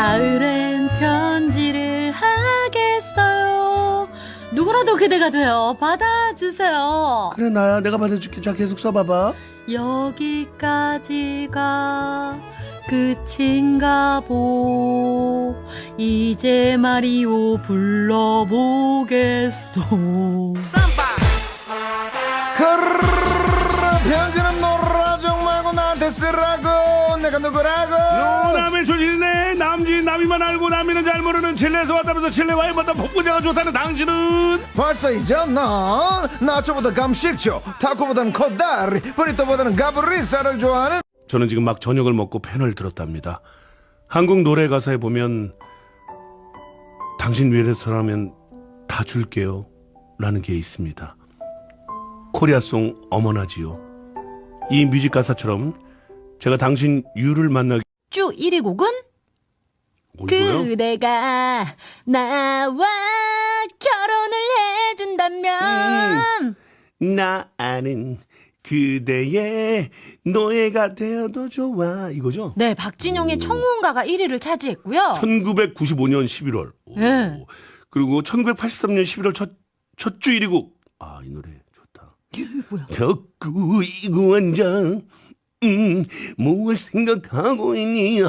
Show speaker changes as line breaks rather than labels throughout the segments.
가을엔 편지를 하겠어요. 누구라도 그대가 되어 받아주세요.
그래, 나야. 내가 받아줄게. 자, 계속 써봐봐.
여기까지가 끝인가 보. 이제 마리오 불러보겠소.
편지는 놀아줘 말고 나한테 쓰라고. 내가 누구라고.
남의 조진이네. 남진 남이만 알고 남이는 잘 모르는 칠레에서 왔다면서 칠레 와인보다 복분자가 좋다는 당신은
벌써 잊었나? 나초보다 감식초, 타코보다는 코다리, 브리또보다는 가브리살을 좋아하는.
저는 지금 막 저녁을 먹고 펜을 들었답니다. 한국 노래 가사에 보면 당신 위해서라면 다 줄게요 라는 게 있습니다. 코리아송 어머나지요. 이 뮤직 가사처럼 제가 당신 유를 만나기
쭉 1위 곡은
이거요?
그대가 나와 결혼을 해준다면
나 아는 그대의 노예가 되어도 좋아 이거죠?
네, 박진영의 청혼가가 1위를 차지했고요.
1995년 11월
네.
그리고 1983년 11월 첫 주 1위 곡. 아, 이 노래 좋다.
뭐야?
덕구 이구원장 뭘 생각하고 있니?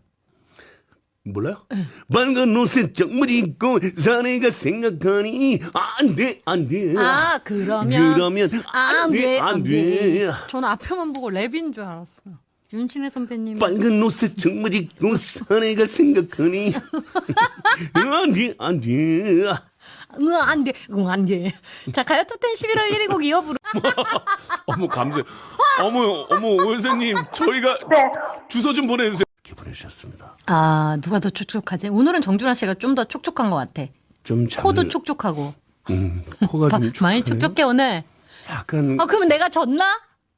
몰라요? 빨간 옷에 정물 입고 사내가 생각하니 안돼 안돼.
아, 그러면
안돼 안돼.
저는 앞에만 보고 랩인 줄 알았어요. 윤신혜 선배님.
빨간 옷에 정물 입고 사내가 생각하니 안돼 안돼.
안 돼. 안 돼. 자, 가요톱10 11월 1위 곡 이어부르.
어머 감사해요. 어머 원생님 저희가 주소 좀 보내주세요. 이렇게 보내주셨습니다.
아, 누가 더 촉촉하지? 오늘은 정준하 씨가 좀 더 촉촉한 것 같아.
좀
코도 촉촉하고.
코가 좀 촉촉하네요.
많이 촉촉해 오늘.
약간
그러면 내가 졌나?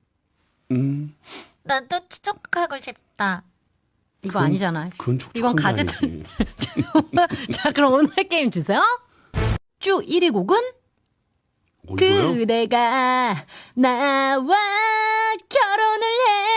나도 촉촉하고 싶다.
이거 아니잖아.
그건 촉촉한
이건
게
가제트.
아니지.
자, 그럼 오늘 게임 주세요. 쭉 1위 곡은
이거요?
그대가 나와 결혼을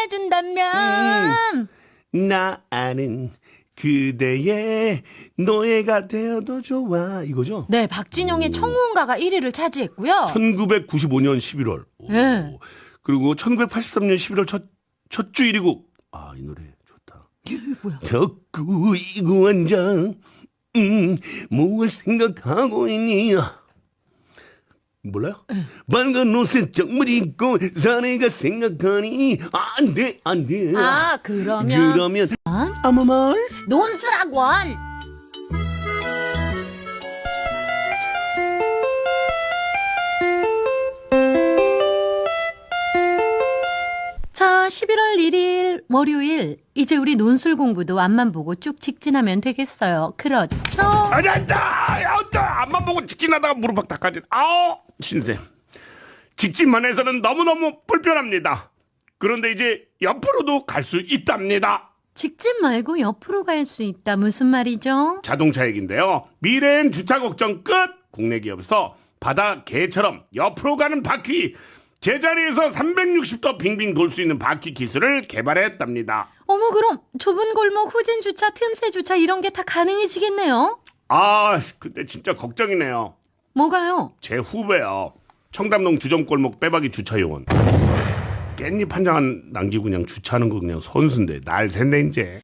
해준다면
나 아는 그대의 노예가 되어도 좋아 이거죠?
네, 박진영의 청혼가가 1위를 차지했고요.
1995년 11월.
네.
그리고 1983년 11월 첫 주 1위 곡. 아, 이 노래 좋다.
뭐야?
덕구 이구원장 뭘 생각하고 있니? 몰라요? 빨간 옷에 정물 입고 사내가 생각하니 안돼 안돼.
아, 그러면
아무 말
논술학원.
자, 11월 1일 월요일 이제 우리 논술 공부도 앞만 보고 쭉 직진하면 되겠어요. 그렇죠?
아니야, 앞만 보고 직진하다가 무릎팍 닦아진. 아우, 신쌤. 직진만 해서는 너무너무 불편합니다. 그런데 이제 옆으로도 갈 수 있답니다.
직진 말고 옆으로 갈 수 있다. 무슨 말이죠?
자동차 얘기인데요. 미래엔 주차 걱정 끝. 국내 기업에서 바다 개처럼 옆으로 가는 바퀴. 제자리에서 360도 빙빙 돌 수 있는 바퀴 기술을 개발했답니다.
어머, 그럼 좁은 골목 후진 주차, 틈새 주차 이런 게 다 가능해지겠네요?
아, 근데 진짜 걱정이네요.
뭐가요?
제 후배요. 청담동 주점골목 빼박이 주차요원. 깻잎 한 장 남기고 그냥 주차하는 거 그냥 선수인데 날 샜네 이제.